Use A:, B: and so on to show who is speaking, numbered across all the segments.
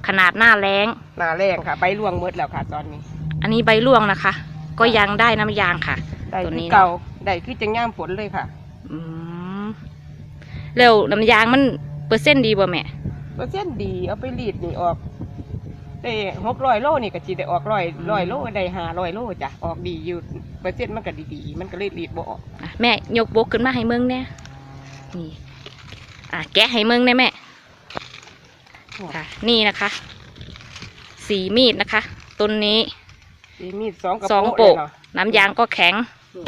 A: ขนาดหน้าแล้ง
B: ค่ะใบร่วงหมดแล้วค่ะตอนนี้
A: อันนี้ใบร่วงนะคะก็ยังได้น้ำยางค่ะ
B: ตัวนี้เก่าได้คือจังย่ามผลเลยค่ะ
A: แล้วน้ำยางมันเปอร์เซ็นต์ดีบ่แม่
B: เปอร์เซ็นต์ดีเอาไปรีดนี่ออกได้600 โลนี่ก็จีได้ออกร้อยโลได้500 โลจ้ะออกดีอยู่เปอร์เซ็นต์มันก็ดีๆมันก็เลยรีดบ่ออก
A: แม่ยกบกขึ้นมาให้เมืองเนี่ยนี่แกะให้เมืองเนี่ยแม่ค่ะนี่นะคะสีมีดนะคะต้นนี้
B: สีมีด2
A: โปะน้ำยางก็แข็ง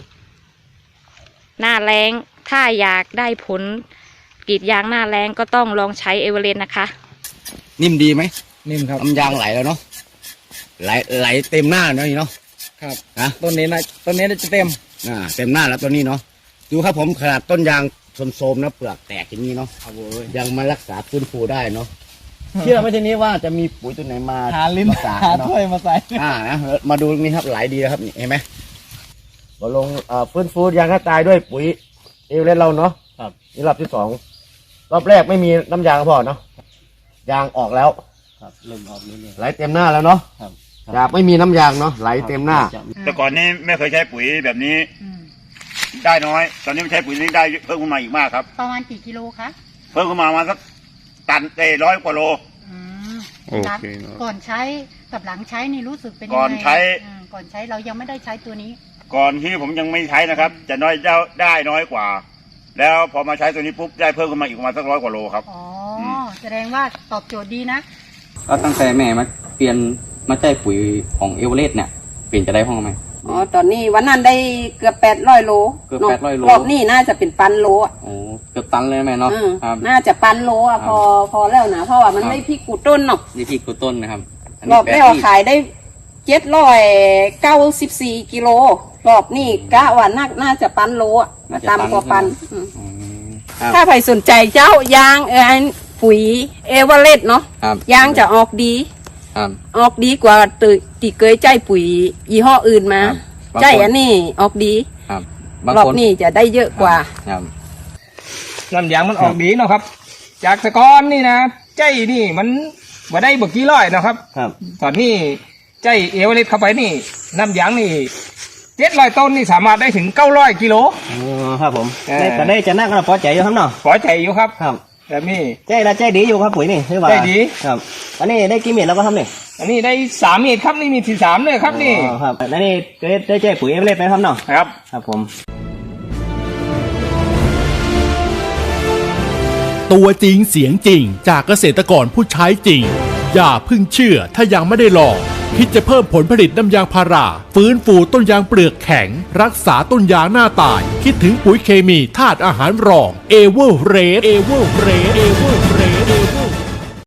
A: หน้าแรงถ้าอยากได้ผลกรีดยางหน้าแรงก็ต้องลองใช้เอเวอเรสต์นะคะ
C: นิ่มดีไหม
D: นิ่มครับ
C: น้ำยางไหลแล้วเนาะไหลเต็มหน้าเนาะนี่เนาะ
D: ครับ
C: นะ
D: ต้นนี้จะเต็ม
C: เต็มหน้าแล้วต้นนี้เนาะดูครับผมขนาดต้นยางโทมๆนะเปลือกแตกอย่างนี้เนาะยังมารักษาฟื้นฟูได้เนาะเชื่อไหมทีนี้ว่าจะมีปุ๋ยตัวไหนมา
D: หาลิ้นหาถ้วยมาใส่
C: นะมาดูนี่ครับไหลดีนะครับนี่เห็นไหมเราลงฟื้นฟูยางกระจายด้วยปุ๋ยเอเวอเรสต์เราเนาะ
D: ครับ
C: นี่รอบที่2รอบแรกไม่มีน้ำยางพอเนาะยางออกแล้ว
D: ครับเริ่มออกเลย
C: ไหลเต็มหน้าแล้วเนาะจากไม่มีน้ำยางเนาะไหลเต็มหน้า
E: แต่ก่อนนี้ไม่เคยใช้ปุ๋ยแบบนี้ได้น้อยตอนนี้ไม่ใช้ปุ๋ยนี้ได้เพิ่มขึ้นมาอีกมากครับ
F: ประมาณกี่กิโลคะ
E: เพิ่มขึ้นมาสักตันได้100 กว่าโล
F: โอเคก่อนใช้กับหลังใช้นี่รู้สึกเป็นยังไง
E: ก่อนใช้
F: เรายังไม่ได้ใช้ตัวนี้
E: ก่อนที่ผมยังไม่ใช้นะครับจะได้น้อยกว่าแล้วพอมาใช้ตัวนี้ปุ๊บได้เพิ่มขึ้นมาอีกประมาณสัก100 กว่าโลครับ
F: อ๋อแสดงว่าตอบโจทย์ดีนะ
D: ก็ตั้งแต่แม่มาเปลี่ยนมาใช้ปุ๋ยของเอเวอเรสต์เนี่ยเปลี่ยนจะได้ห้องไหม
B: ตอนนี้วันนั้นได้เกือบ800 โล
D: เกือบ800 โล
B: รอบนี้น่าจะเป็น1,000 โล
D: โอ้เกือบตันเลยแม่เนาะ
B: น่าจะ1,000 โลพอแล้วนะเพราะว่ามันไม่พริกกูต้นเนาะ
D: นี่พริกกูต้นนะครับ
B: รอบแรกขายได้794 กิโลรอบนี้กะว่าน่าจะ1,000 โลมาตามกว่า1,000ถ้าใครสนใจเจ้ายางปุ๋ยเอเวอเรสต์เนาะยางจะออกดีกว่าตีเกยใจปุ๋ยยี่ห้ออื่นมาใจอันนี้ออกดีรอบนี้จะได้เยอะกว่า
D: น้ำยางมันออกดีเนาะครับจากตะกอนนี่นะใจนี่มันมาได้กี่ร้อยนะครับตอนนี้ใจเอเวอเรสต์เข้าไปนี่น้ำยางนี่700 ต้นนี่สามารถได้ถึง900 กิโล
C: ครับผมแต่ได้จะนั่งกันพอใจอยู่ครับเนาะ
D: พอใจอยู่ครับแบบนี้
C: ใจดีอยู่ครับปุ๋ยนี่ใช่ป่ะ
D: ใจดี
C: ครับอันนี้ได้กี่เม็ดแล้วก็ทำนี่
D: อันนี้ได้3 เม็ดครับนี่มีที่3เลยครับนี่
C: ครับแล้วนี่ได้ใจปุ๋ยเอเวอเรสต์ไหมครับเนาะครับผม
G: ตัวจริงเสียงจริงจากเกษตรกรผู้ใช้จริงอย่าเพิ่งเชื่อถ้ายังไม่ได้ลองคิดจะเพิ่มผลผลิตน้ำยางพาราฟื้นฟูต้นยางเปลือกแข็งรักษาต้นยางหน้าตายคิดถึงปุ๋ยเคมีธาตุอาหารรองเอเวอร์เรส